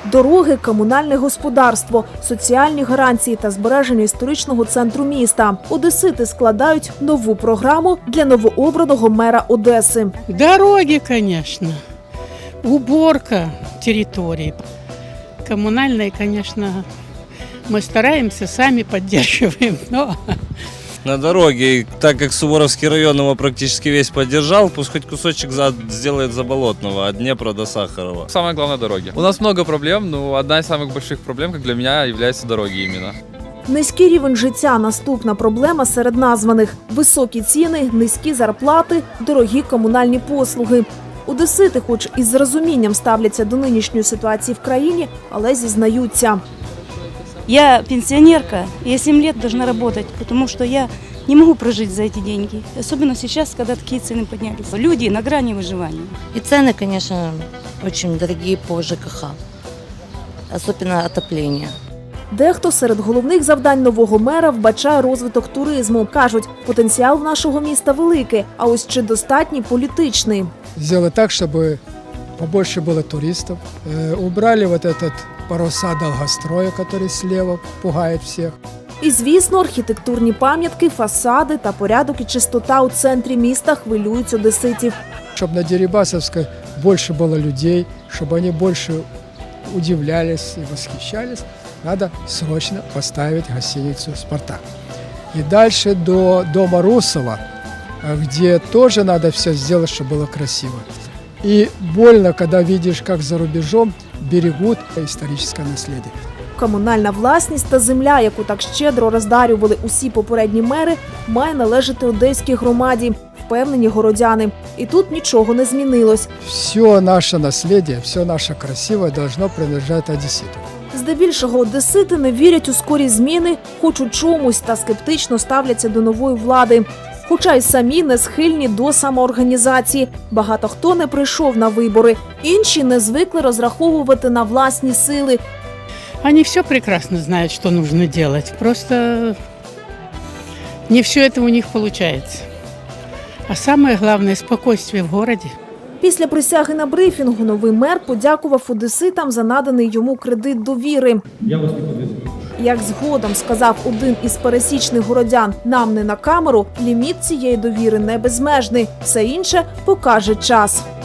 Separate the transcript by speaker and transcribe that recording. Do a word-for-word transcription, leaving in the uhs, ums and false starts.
Speaker 1: Дороги, комунальне господарство, соціальні гарантії та збереження історичного центру міста. Одесити складають нову програму для новообраного мера Одеси.
Speaker 2: Дороги, конечно, уборка территории. Коммунальные, конечно, мы стараемся, сами поддерживаем, но...
Speaker 3: На дороге, так как Суворовский район его практически весь поддержал, пусть хоть кусочек за, сделает Заболотного, от Днепра до Сахарова.
Speaker 4: Самое главное – дороги. У нас много проблем, но одна из самых больших проблем, как для меня, является дороги именно.
Speaker 1: Низький рівень життя – наступна проблема серед названих. Високі ціни, низькі зарплати, дорогі комунальні послуги. Одесити, хоч із розумінням ставляться до нинішньої ситуації в країні, але зізнаються.
Speaker 5: Я пенсионерка, я семь лет должна работать, потому что я не могу прожить за эти деньги. Особенно сейчас, когда такие цены поднялись. Люди на грани выживания.
Speaker 6: И цены, конечно, очень дорогие по ЖКХ, особенно отопление.
Speaker 1: Дехто серед головних завдань нового мера вбачає розвиток туризму. Кажуть, потенціал в нашого міста великий, а ось чи достатній політичний.
Speaker 7: Сделать так, чтобы побольше было туристов. Э, убрали вот этот паруса долгостроя, который слева пугает всех.
Speaker 1: І, звісно, архітектурні пам'ятки, фасади та порядок і чистота у центрі міста хвилюють одеситів.
Speaker 7: Чтобы на Дерибасовской больше было людей, чтобы они больше удивлялись и восхищались, надо срочно поставить гостиницу «Спартак». И дальше до дома Русова, где тоже надо все сделать, чтобы было красиво. И больно, когда видишь, как за рубежом берегут историческое наследие.
Speaker 1: Комунальна власність та земля, яку так щедро роздарювали усі попередні мери, має належати одеській громаді, впевнені городяни. І тут нічого не змінилось.
Speaker 7: Все наше наследие, все наше красивое должно принадлежать одесситу.
Speaker 1: Здебільшого одесити не вірять у скорі зміни, хоч у чомусь, та скептично ставляться до нової влади. Хоча й самі не схильні до самоорганізації. Багато хто не прийшов на вибори. Інші не звикли розраховувати на власні сили.
Speaker 2: Они все прекрасно знают, что нужно делать. Просто не все это у них получается. А самое главное – спокойствие в городе.
Speaker 1: Після присяги на брифінгу новий мер подякував одеситам за наданий йому кредит довіри.
Speaker 8: Я вас не подвезу.
Speaker 1: Як згодом сказав один із пересічних городян, нам не на камеру, ліміт цієї довіри не безмежний. Все інше покаже час.